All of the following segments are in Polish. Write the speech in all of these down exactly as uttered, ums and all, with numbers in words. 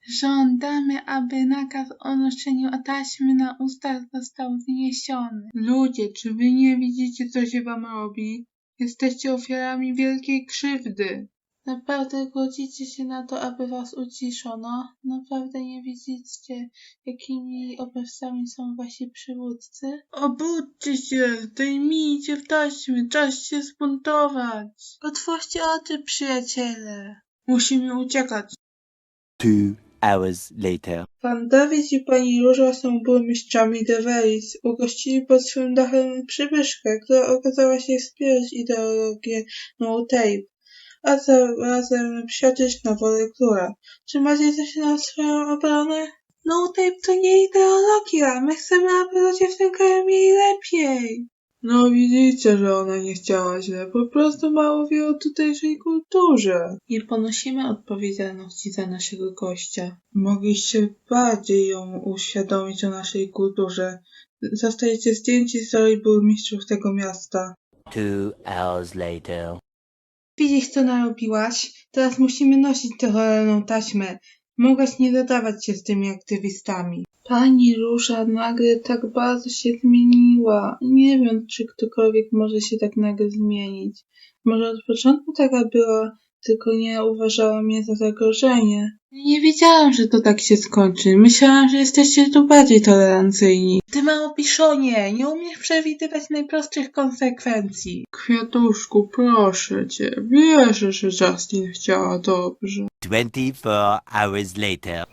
Żądamy, aby nakaz o noszeniu taśmy na ustach został zniesiony. Ludzie, czy wy nie widzicie, co się wam robi? Jesteście ofiarami wielkiej krzywdy. Naprawdę godzicie się na to, aby was uciszono? Naprawdę nie widzicie, jakimi oprawcami są wasi przywódcy? Obudźcie się, zdejmijcie taśmy, czas się zbuntować. Otwórzcie oczy, przyjaciele. Musimy uciekać. Two hours later. Pan Dawid i pani Róża są burmistrzami Deveris. Ugościli pod swym dachem przybyszkę, która okazała się wspierać ideologię No Tape, a zarazem psioczyć na wolę króla. Czy macie coś na swoją obronę? No Tape to nie ideologia. My chcemy, aby ludzie w tym kraju mieli lepiej. No widzicie, że ona nie chciała źle, po prostu mało wie o tutejszej kulturze. Nie ponosimy odpowiedzialności za naszego gościa. Mogliście bardziej ją uświadomić o naszej kulturze. Zostajecie zdjęci z roli burmistrzów tego miasta. Two hours later. Widzisz, co narobiłaś? Teraz musimy nosić tę cholerną taśmę. Mogłaś nie zadawać się z tymi aktywistami. Pani Róża nagle tak bardzo się zmieniła. Nie wiem, czy ktokolwiek może się tak nagle zmienić. Może od początku taka była, tylko nie uważała mnie za zagrożenie. Nie wiedziałam, że to tak się skończy. Myślałam, że jesteście tu bardziej tolerancyjni. Ty małpiszonie, nie umiesz przewidywać najprostszych konsekwencji. Kwiatuszku, proszę cię, wierzę, że Justin chciała dobrze. Twenty-four hours later.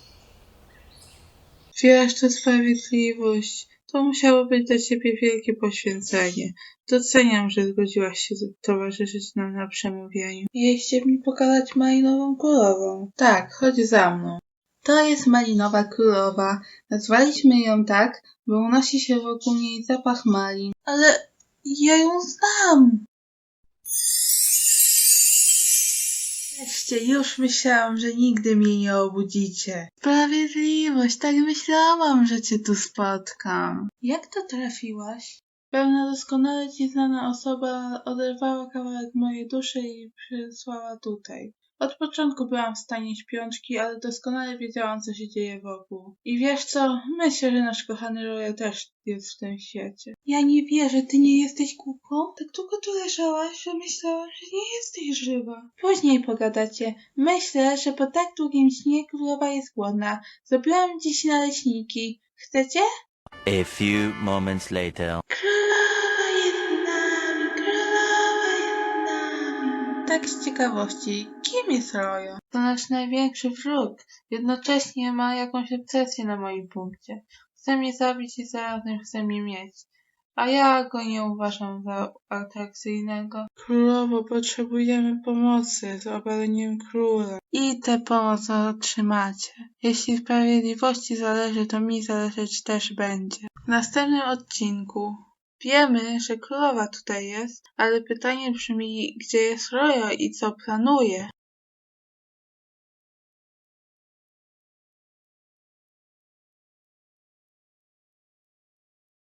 Wiesz, to sprawiedliwość. To musiało być dla ciebie wielkie poświęcenie. Doceniam, że zgodziłaś się towarzyszyć nam na przemówieniu. Jeźdźcie mi pokazać malinową królową. Tak, chodź za mną. To jest malinowa królowa. Nazwaliśmy ją tak, bo unosi się wokół niej zapach malin. Ale ja ją znam. Wreszcie, już myślałam, że nigdy mnie nie obudzicie. Sprawiedliwość, tak myślałam, że cię tu spotkam. Jak to trafiłaś? Pewna doskonale ci znana osoba oderwała kawałek mojej duszy i przysłała tutaj. Od początku byłam w stanie śpiączki, ale doskonale wiedziałam, co się dzieje wokół. I wiesz co? Myślę, że nasz kochany Royal też jest w tym świecie. Ja nie wierzę, ty nie jesteś głupką? Tak długo tu leżałaś, że myślałam, że nie jesteś żywa. Później pogadacie. Myślę, że po tak długim śnie królowa jest głodna. Zrobiłam dziś naleśniki. Chcecie? A few moments later. Królowa jest z nami, królowa jest z nami. Tak z ciekawości, kim jest Royo? To nasz największy wróg. Jednocześnie ma jakąś obsesję na moim punkcie. Chce mnie zabić i zarazem chce mnie mieć. A ja go nie uważam za atrakcyjnego. Królowo, potrzebujemy pomocy z obaleniem króla. I tę pomoc otrzymacie. Jeśli sprawiedliwości zależy, to mi zależeć też będzie. W następnym odcinku wiemy, że królowa tutaj jest, ale pytanie brzmi, gdzie jest Royo i co planuje?